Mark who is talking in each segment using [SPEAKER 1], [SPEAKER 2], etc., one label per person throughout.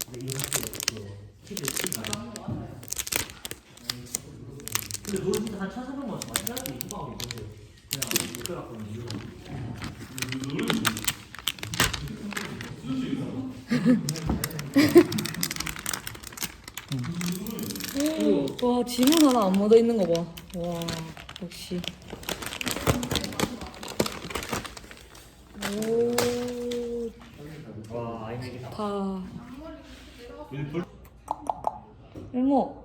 [SPEAKER 1] 이거 치즈 근데 노래 진짜 한 1,400만 원 많이 해야지 후방하고 있는데 그냥 못 들어갔거든 이유가
[SPEAKER 2] 와 지문 하나 안 묻어 있는 거 봐. 와 역시. 오.
[SPEAKER 1] 와 아이맥이다
[SPEAKER 2] 다. 이모.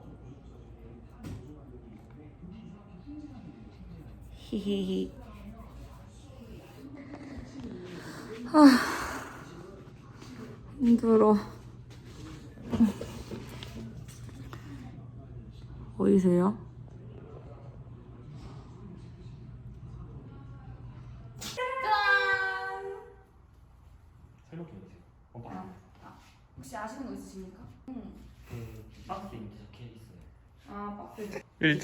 [SPEAKER 2] 히히히. 힘들어. 보이세요?
[SPEAKER 1] 설명 좀 해주세요
[SPEAKER 3] 혹시 아시는 거 있으십니까?
[SPEAKER 1] 그 박스에 이렇게 적혀 있어요
[SPEAKER 3] 아, 박스.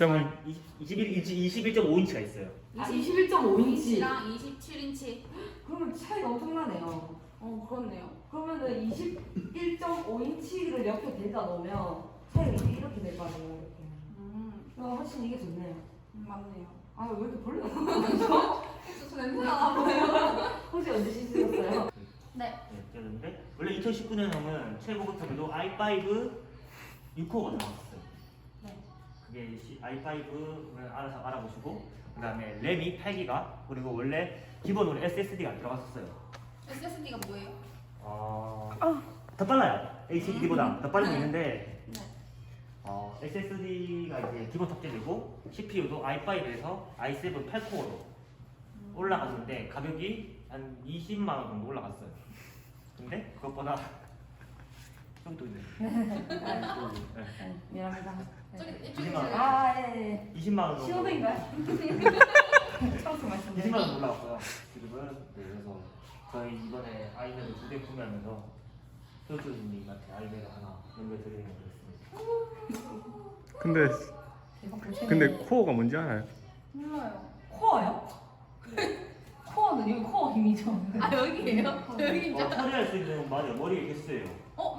[SPEAKER 1] 21.5인치가 있어요
[SPEAKER 3] 21.5인치랑 27인치.
[SPEAKER 4] 그러면 차이가 엄청나네요.
[SPEAKER 3] 그렇네요.
[SPEAKER 4] 그러면은 21.5인치를 옆에 대다 놓으면 차이가 이렇게 될 거 아니에요. 이렇게. 훨씬 이게 좋네요.
[SPEAKER 3] 맞네요.
[SPEAKER 4] 아 왜 이렇게 벌레가 나죠?
[SPEAKER 3] 저 냄새가 나요.
[SPEAKER 4] 혹시 언제 씻으셨어요?
[SPEAKER 3] 네.
[SPEAKER 1] 그랬는데 원래 2019년형은 최고급형에도 i5 6코어가 나왔었어요
[SPEAKER 3] 네.
[SPEAKER 1] 그게 i5를 알아서 알아보시고 그 다음에 램이 8기가 그리고 원래 기본으로 SSD가 들어갔었어요
[SPEAKER 3] SSD가 뭐예요?
[SPEAKER 1] 더 빨라요 HDD보다 더 빠른 게 있는데
[SPEAKER 3] 네.
[SPEAKER 1] SSD가 이제 기본 탑재되고 CPU도 i5에서 i7 8코어로 올라갔는데 가격이 한 20만 원 정도 올라갔어요 근데 그것보다 좀 또 있네
[SPEAKER 4] 미안합니다.
[SPEAKER 3] 저기
[SPEAKER 1] 20만 원
[SPEAKER 4] 아 예.
[SPEAKER 1] 20만 원 정도
[SPEAKER 4] 신호등인가요? 처음
[SPEAKER 1] 20만
[SPEAKER 4] 말씀드려요.
[SPEAKER 1] 원 올라왔고요. 지금은 네, 그래서 저희 이번에 아이맥을 2대 구매하면서 효주님한테 아이맥을 하나 연결드리는 거 됐습니다.
[SPEAKER 5] 근데 코어가 뭔지 알아요?
[SPEAKER 3] 몰라요.
[SPEAKER 4] 코어요? 코어는 여기 코어 힘이죠.
[SPEAKER 3] 아, 여기에요? 여기
[SPEAKER 1] 처리할 수 있는 맞아요. 머리에 개수예요.